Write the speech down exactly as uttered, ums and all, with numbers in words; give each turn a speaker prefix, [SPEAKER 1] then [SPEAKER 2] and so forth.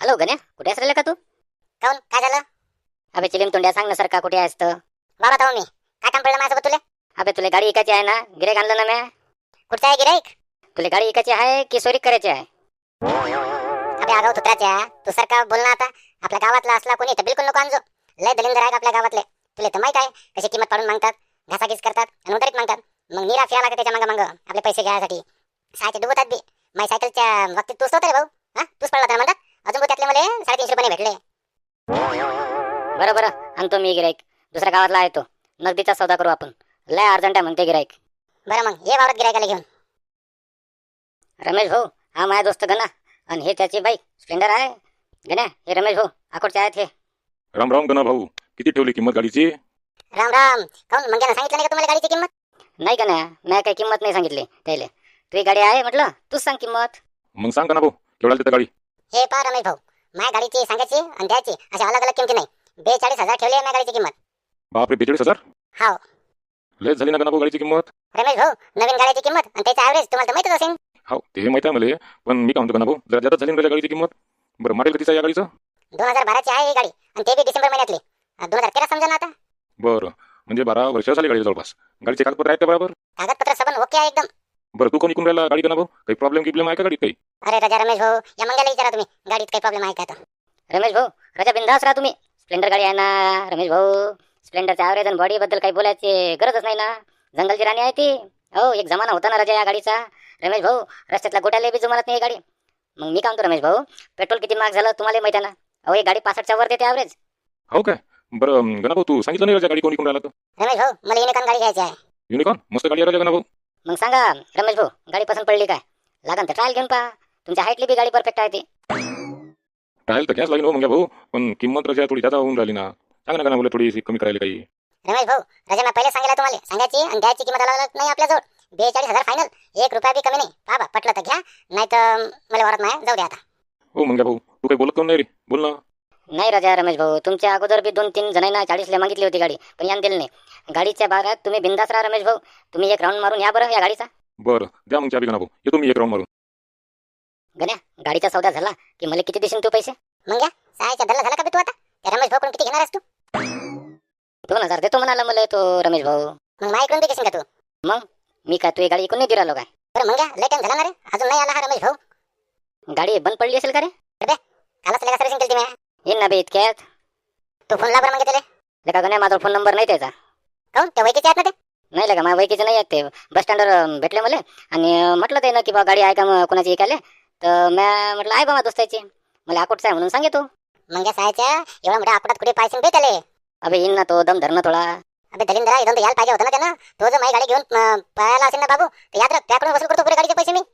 [SPEAKER 1] Hello गण्या, कुठे असलेला का तू?
[SPEAKER 2] काऊन काय झालं?
[SPEAKER 1] अबे चिलीम तोंड्या, सांग ना सरका कुठे आहेस तर?
[SPEAKER 2] वावरात आहो मी. काय काम पडलं माझ्यासोबत तुले?
[SPEAKER 1] अबे तुला गाडी इकायची आहे ना? गिऱ्हाईक आणलं ना म्या.
[SPEAKER 2] कुठचा आहे गिराईक?
[SPEAKER 1] तुला गाडी इकायची आहे की सोरी करायची आहे?
[SPEAKER 2] अबे आगाऊ तुत्राच्या, तू सरका बोल ना आता. आपल्या गावातला असला कोणी तर बिलकुल नको आणजो. लय दलिंदर आहेत आपल्या गावातले. तुला तर माहित आहे कशी किंमत पाडून मागतात, घासाघीस करतात आणि उधारीत मागतात. मग निरा फिया लागते त्याच्या मागं मागं आपले पैसे घ्यायसाठी. सायचे डुबतात बी. माझ्या सायकलच्या बाबतीत तूच होता रे भाऊ. हा तूच पडला होता म्हणतात. अजून त्यातले मला साडेतीनशे रुपये भेटले.
[SPEAKER 1] बरं बरं, आणतो मी गिऱ्हाईक. दुसऱ्या गावातला आहे तो. नगदीचा सौदा करू आपण. लय अर्जंट आहे म्हणते गिऱ्हाईक.
[SPEAKER 2] बरं मग ये वावरात गिरायकाला घेऊन.
[SPEAKER 1] रमेश भाऊ, हा माझा दोस्त गणा आणि हे त्याची बाईक स्प्लेंडर आहे. गण्या, हे रमेश भाऊ अकोटचे आहेत हे.
[SPEAKER 3] राम राम गणा भाऊ, किती ठेवली किंमत गाडीची?
[SPEAKER 2] राम राम. काऊन मंग्यानं सांगितलं नाही का तुम्हाला गाडीची किंमत?
[SPEAKER 1] नाही गण्या, मी काही किंमत नाही सांगितली त्याला. तुझी गाडी आहे म्हटलं, तूच सांग किंमत.
[SPEAKER 3] मग सांग गणा भाऊ, केवढ्याला देता गाडी?
[SPEAKER 2] हे पहा रमेश भाऊ, माझ्या गाडीची सांगायची आणि द्यायची अशा अलग अलग किमती नाही. बेचाळीस हजार ठेवली आहे माझ्या गाडीची किंमत.
[SPEAKER 3] बापरे, बेचाळीस हजार?
[SPEAKER 2] हाव
[SPEAKER 3] लयच झाली ना गणा भाऊ गाडीची किंमत.
[SPEAKER 2] रमेश भाऊ, नवीन गाडीची किंमत आणि त्याचा ॲव्हरेज तुम्हाला तर माहितच असेल.
[SPEAKER 3] हो ते माहिती आहे मला, पण मी काय म्हणतो गणा भाऊ, जरा जास्त झाली ना गाडीची किंमत. बरं मॉडेल कधीचं आहे या गाडीचं?
[SPEAKER 2] दोन हजार बाराची आहे ही गाडी आणि ते बी डिसेंबर महिन्यातली. दोन हजार तेरा समजा ना आता.
[SPEAKER 3] बरं, म्हणजे बारा वर्ष झाली गाडी जवळपास. गाडीचे कागदपत्र आहेत का बरोबर?
[SPEAKER 2] कागदपत्र सबन ओके आहे एकदम.
[SPEAKER 3] बरं तू कोण इकून राहिला गाडी गणा भाऊ? काही प्रॉब्लेम गिब्लेम आहे का गाडीत काही?
[SPEAKER 2] अरे राजा रमेश भाऊ, या मंग्याला विचारा तुम्ही गाडीत काही प्रॉब्लेम आहे का तर.
[SPEAKER 1] रमेश भाऊ, राजा बिंदास राहा तुम्ही. स्प्लेंडर गाडी आहे ना रमेश भाऊ. स्प्लेंडरच्या ॲव्हरेज आणि बॉडी बद्दल काही बोलायची गरजच नाही ना. जंगलची राणी आहे ती. हो, एक जमाना होता ना राजा या गाडीचा. रमेश भाऊ, रस्त्यातल्या गोट्याला बी जमत नाही ही गाडी. मग मी काय म्हणतो रमेश भाऊ, पेट्रोल किती महाग झालं तुम्हाला माहिती आहे ना. अहो ही गाडी पासष्टच्या वर देते ॲव्हरेज.
[SPEAKER 3] हो काय? बरं गणा भाऊ, तू सांगितलं नाही राजा गाडी कोण इकून राहिला तर?
[SPEAKER 2] रमेश भाऊ, मला युनिकॉर्न गाडी घ्यायची आहे.
[SPEAKER 3] युनिकॉर्न मस्त गाडी आहे राजा गणा भाऊ.
[SPEAKER 1] मग सांगा रमेश भाऊ, गाडी पसंत पडली काय? लागन तर ट्रायल घेऊन पहा. तुमच्या हाईटली बी गाडी परफेक्ट आहे ती.
[SPEAKER 3] ट्रायल तर घ्यास लागेल हो मग भाऊ, पण किंमत राजा थोडी जादा होऊन राहिली ना. सांग ना गणा भाऊ, थोडी कमी करायला काही.
[SPEAKER 2] रमेश भाऊ, राजा मी पहिले सांगितलं तुम्हाला, सांगायची आणि द्यायची किंमत अलग नाही आपल्याजवळ. बेचाळीस हजार फायनल, एक रुपया बी कमी नाही. बाबा पटलं तर घ्या, नाही तर मला वरत नाही, जाऊ द्या आता.
[SPEAKER 3] हो मग भाऊ, तू काही बोलत कोण नाही रे, बोल ना.
[SPEAKER 1] नाही राजा रमेश भाऊ, तुमच्या अगोदर बी दोन तीन जणांना चाळीसला मागितली होती गाडी, पण यान दिली नाही. गाडीच्या बारात तुम्ही बिंदास राहा रमेश भाऊ. तुम्ही एक राऊंड मारून या बरं या गाडीचा.
[SPEAKER 3] बरं द्या मग चाबी गणा भाऊ, येतो मी एक राऊंड मारून.
[SPEAKER 1] गण्या, गाडीचा सौदा झाला की मला किती देशील तू पैसे?
[SPEAKER 2] मग या सहायचा धरला झाला का बी तू आता? त्या रमेश भाऊ किती घेणार आहेस तू?
[SPEAKER 1] दोन हजार देतो म्हणाला मला तो रमेश भाऊ.
[SPEAKER 2] मग माझ्याकडून बी घेशील का तू?
[SPEAKER 1] मग मी काय तुझी गाडी इकून नाही दिरालो काय?
[SPEAKER 2] बरं मग या, लय टाइम झाला ना रे, अजून नाही आला हा रमेश भाऊ.
[SPEAKER 1] गाडी बंद पडली असेल का रे?
[SPEAKER 2] कालच लेगा सर्व्हिसिंग केली मी.
[SPEAKER 1] येईन ना बे इतक्यात.
[SPEAKER 2] तू फोन ला बरं मग त्याला.
[SPEAKER 1] लेका गण्या, माझा फोन नंबर नाही त्याचा.
[SPEAKER 2] काऊन ते वैकीचे आहेत ना ते?
[SPEAKER 1] नाही लेका, माझ्या वैकीचे नाही आहेत ते. बस स्टँडवर भेटले मला आणि म्हटलं ते ना की बा गाडी आहे का मग कोणाची ऐकायला. तर मी म्हटलं आहे बा माझ्या दोस्ताची. मला अकोटचा आहे म्हणून सांगतो.
[SPEAKER 2] मग या सहायच्या एवढा मोठ्या आपटात कुठे पायसून बे त्याले.
[SPEAKER 1] अबे येईन ना तो, दम धरणं थोडा.
[SPEAKER 2] अबे दलिंदरा, इथून तर यायला पाहिजे होतं ना त्यानं. तो जर माझी गाडी घेऊन अं, पळायला असेल ना बाबू, तर याद राख त्याकडून वसूल करतो पुरे गाडीचे पैसे मी.